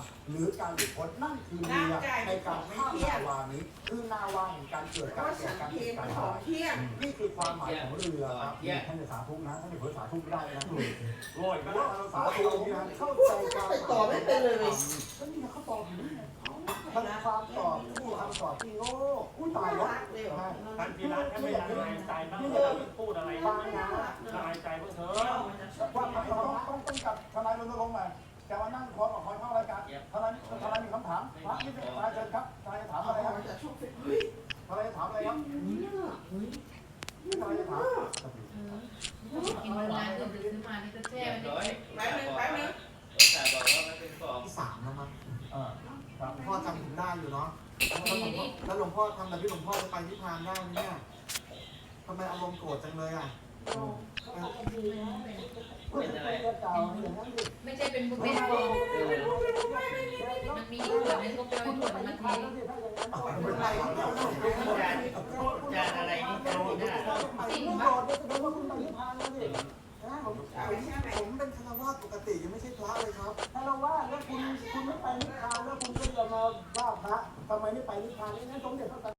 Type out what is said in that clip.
หรือการหลุดพ้นนั่นคือเรือในการข้ามนาวานี้คือนาวาแห่งการเกิดการแก่การเกิดการตายนี่คือความหมายของเรือครับท่านจะสาธุนะท่านจะเผยสาธุไม่ได้นะโอ้ยก็สาธุนะเข้าใจการตอบไม่เป็นเลยก็นี่เขาตอบอยู่นี่มันความตอบที่คำตอบที่โง่ตายแล้วท่านพีระท่านไม่ละลายใจบ้างเลยพูดอะไรบ้างนะละลายใจบ้างเถอะว่าต้องกับทนายรณรงค์มาจะมานั่งคอยเข้ารายการทนายมีคำถามพระนี่เป็นทนายเชิญครับทนายจะถามอะไรครับทนายจะถามอะไรครับทนายจะถามกินนานก็ซื้อมานี่ก็แช่ไว้แป๊บนึงแต่บอกว่ามันเป็นของที่3แล้วมั้งพ่อจำผมได้อยู่เนาะแล้วหลวงพ่อทำแบบที่หลวงพ่อจะไปนิพพานได้ไหมเนี่ยทำไมอารมณ์โกรธจังเลยอ่ะเป็นอะไรไม่ใช่เป็นบุฟเฟ่ต์มันมีส่วนนึงก็เป็นส่วนมันเทจานอะไรนี่จานที่หน้าผมเป็นคารวะปกติยังไม่ใช่พระเลยครับคารวะแล้วคุณไม่ไปนิพพานแล้วคุณก็จะมาว่าพระทำไมไม่ไปนิพพานนี่งั้นสมเด็จพระ